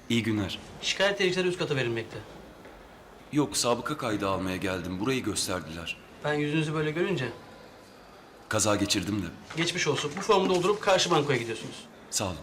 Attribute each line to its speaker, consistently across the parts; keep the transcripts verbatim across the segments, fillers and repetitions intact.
Speaker 1: İyi günler.
Speaker 2: Şikayet dilekçeleri üst kata verilmekte.
Speaker 1: Yok, sabıka kaydı almaya geldim. Burayı gösterdiler.
Speaker 2: Ben yüzünüzü böyle görünce
Speaker 1: Kaza geçirdim de.
Speaker 2: geçmiş olsun. Bu formu doldurup karşı bankoya gidiyorsunuz.
Speaker 1: Sağ olun.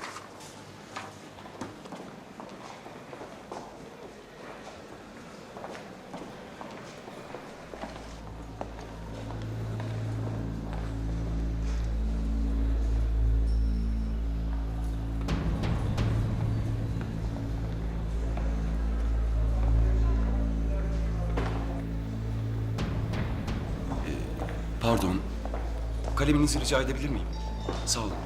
Speaker 1: Pardon. Kaleminizi rica edebilir miyim? Sağ olun.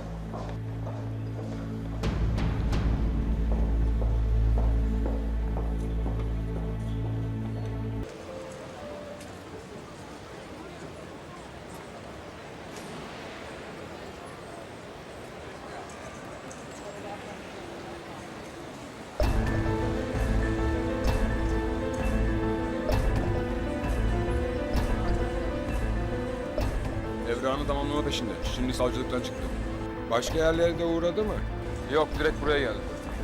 Speaker 3: Evranı tamamlama peşinde. Şimdi savcılıktan çıktı.
Speaker 4: Başka yerlere de uğradı mı?
Speaker 3: Yok, direkt buraya geldi.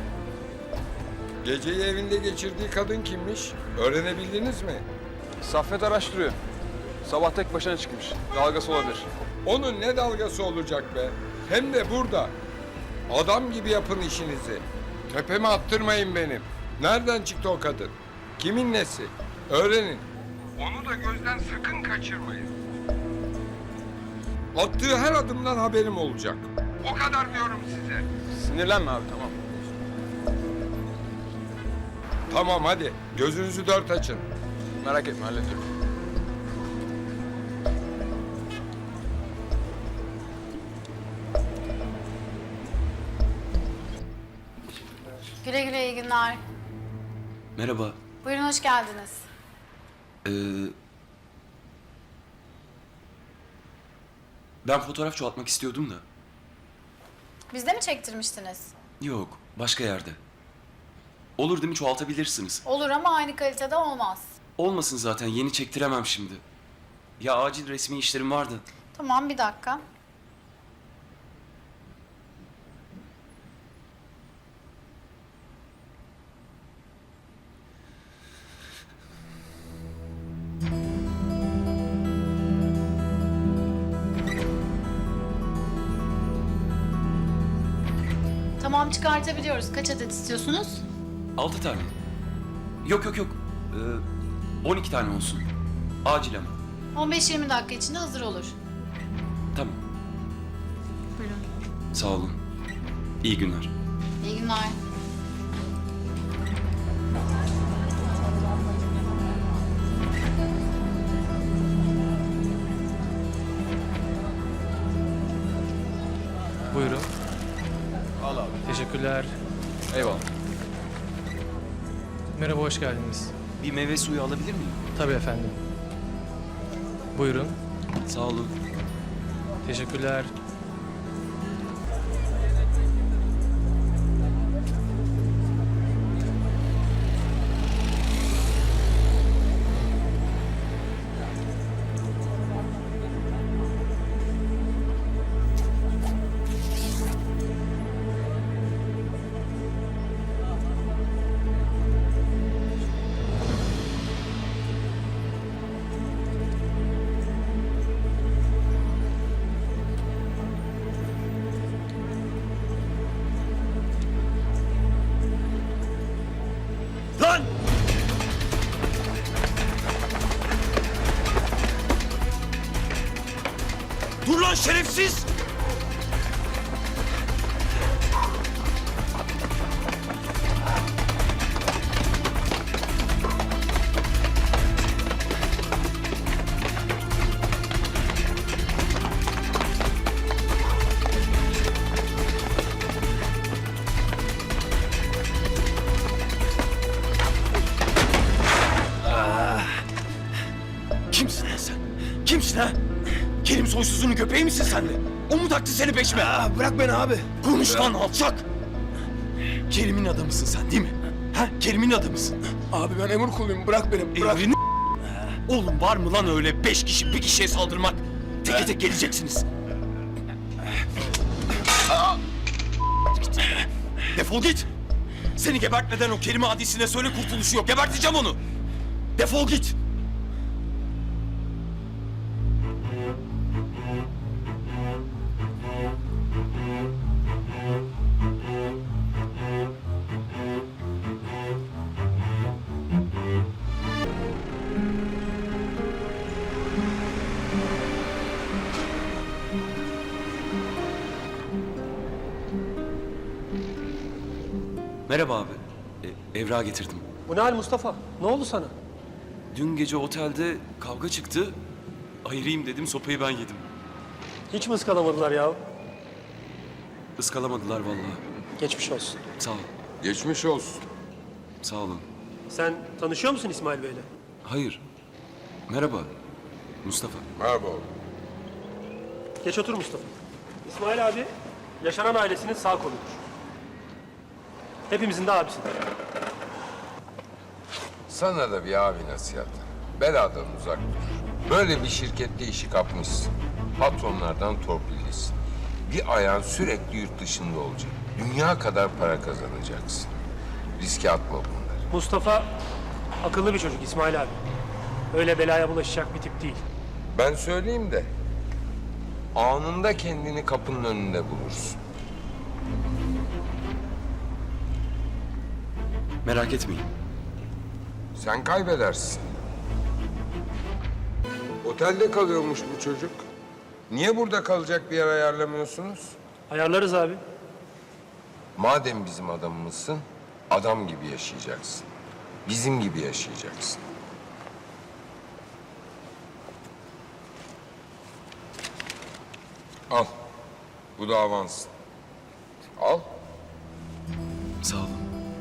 Speaker 4: Geceyi evinde geçirdiği kadın kimmiş? Öğrenebildiniz mi?
Speaker 3: Saffet araştırıyor. Sabah tek başına çıkmış. Dalgası olabilir.
Speaker 4: Onun ne dalgası olacak be? Hem de burada. Adam gibi yapın işinizi. Tepeme attırmayın benim. Nereden çıktı o kadın? Kimin nesi? Öğrenin. Onu da gözden sakın kaçırmayın. Attığı her adımdan haberim olacak. O kadar diyorum size.
Speaker 3: Sinirlenme abi, tamam.
Speaker 4: Tamam hadi. Gözünüzü dört açın.
Speaker 3: Merak etme, hallediyorum.
Speaker 5: Güle güle, iyi günler.
Speaker 1: Merhaba.
Speaker 5: Buyurun, hoş geldiniz.
Speaker 1: Ee, ben fotoğraf çoğaltmak istiyordum da.
Speaker 5: Bizde mi çektirmiştiniz?
Speaker 1: Yok, başka yerde. Olur değil mi? Çoğaltabilirsiniz.
Speaker 5: Olur ama aynı kalitede olmaz.
Speaker 1: Olmasın zaten. Yeni çektiremem şimdi. Ya acil resmi işlerim vardı.
Speaker 5: Tamam, bir dakika. Tamam, çıkartabiliyoruz. Kaç adet istiyorsunuz?
Speaker 1: Altı tane. Yok yok yok. Ee, on iki tane olsun. Acil ama.
Speaker 5: on beş yirmi dakika içinde hazır olur.
Speaker 1: Tamam.
Speaker 5: Buyurun.
Speaker 1: Sağ olun. İyi günler.
Speaker 5: İyi günler.
Speaker 6: Buyurun.
Speaker 3: Al abi.
Speaker 6: Teşekkürler.
Speaker 3: Eyvallah.
Speaker 6: Merhaba, hoş geldiniz.
Speaker 1: Bir meyve suyu alabilir miyim?
Speaker 6: Tabii efendim. Buyurun.
Speaker 1: Sağ olun.
Speaker 6: Teşekkürler.
Speaker 1: Lan! Dur lan şerefsiz! Kimsin lan sen? Kimsin ha? Kerim soysuzunun köpeği misin sen de? O mu taktı seni peşime? Aa, bırak beni abi. Konuş lan alçak. Kerim'in adamısın sen değil mi? Ha? Kerim'in adamısın.
Speaker 4: Abi ben emir kuluyum. Bırak beni. Bırak.
Speaker 1: Emrini... Oğlum var mı lan öyle beş kişi bir kişiye saldırmak? Teke tek geleceksiniz. Defol git. Seni gebertmeden o Kerim adisine söyle kurtuluşu yok. Geberteceğim onu. Defol git. Merhaba abi. E, evrağı getirdim.
Speaker 7: Bu ne hal Mustafa? Ne oldu sana?
Speaker 1: Dün gece otelde kavga çıktı. Ayırayım dedim, sopayı ben yedim.
Speaker 7: Hiç mi ıskalamadılar ya?
Speaker 1: Iskalamadılar vallahi.
Speaker 7: Geçmiş olsun.
Speaker 1: Sağ ol.
Speaker 4: Geçmiş olsun.
Speaker 1: Sağ olun.
Speaker 7: Sen tanışıyor musun İsmail Bey'le?
Speaker 1: Hayır. Merhaba. Mustafa.
Speaker 4: Merhaba oğlum.
Speaker 7: Geç otur Mustafa. İsmail abi, yaşanan ailesinin sağ koludur. Hepimizin de abisidir.
Speaker 4: Sana da bir abi nasihatı. Beladan uzak dur. Böyle bir şirkette işi kapmışsın. Patronlardan torpillisin. Bir ayağın sürekli yurt dışında olacak. Dünya kadar para kazanacaksın. Riske atma bunları.
Speaker 7: Mustafa akıllı bir çocuk İsmail abi. Öyle belaya bulaşacak bir tip değil.
Speaker 4: Ben söyleyeyim de anında kendini kapının önünde bulursun.
Speaker 1: Merak etmeyin.
Speaker 4: Sen kaybedersin. Otelde kalıyormuş bu çocuk. Niye burada kalacak bir yer ayarlamıyorsunuz?
Speaker 7: Ayarlarız abi.
Speaker 4: Madem bizim adamımızsın, adam gibi yaşayacaksın. Bizim gibi yaşayacaksın. Al. Bu da avans. Al.
Speaker 1: Sağ olun.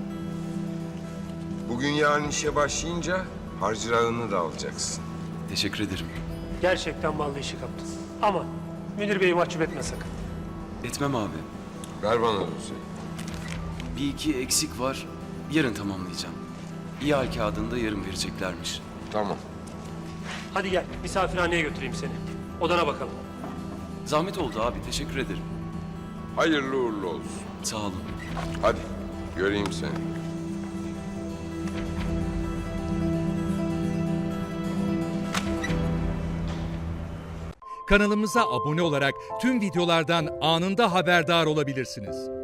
Speaker 4: Bugün yarın işe başlayınca harcırağını da alacaksın.
Speaker 1: Teşekkür ederim.
Speaker 7: Gerçekten ballı işi kaptın. Ama Münir Bey'i mahcup etme sakın.
Speaker 1: Etmem abi.
Speaker 4: Ver bana dosyayı.
Speaker 1: Bir iki eksik var. Yarın tamamlayacağım. İhal kağıdını da yarın vereceklermiş.
Speaker 4: Tamam.
Speaker 7: Hadi gel, misafirhaneye götüreyim seni. Odana bakalım.
Speaker 1: Zahmet oldu abi. Teşekkür ederim.
Speaker 4: Hayırlı uğurlu olsun.
Speaker 1: Sağ olun.
Speaker 4: Hadi göreyim seni.
Speaker 8: Kanalımıza abone olarak tüm videolardan anında haberdar olabilirsiniz.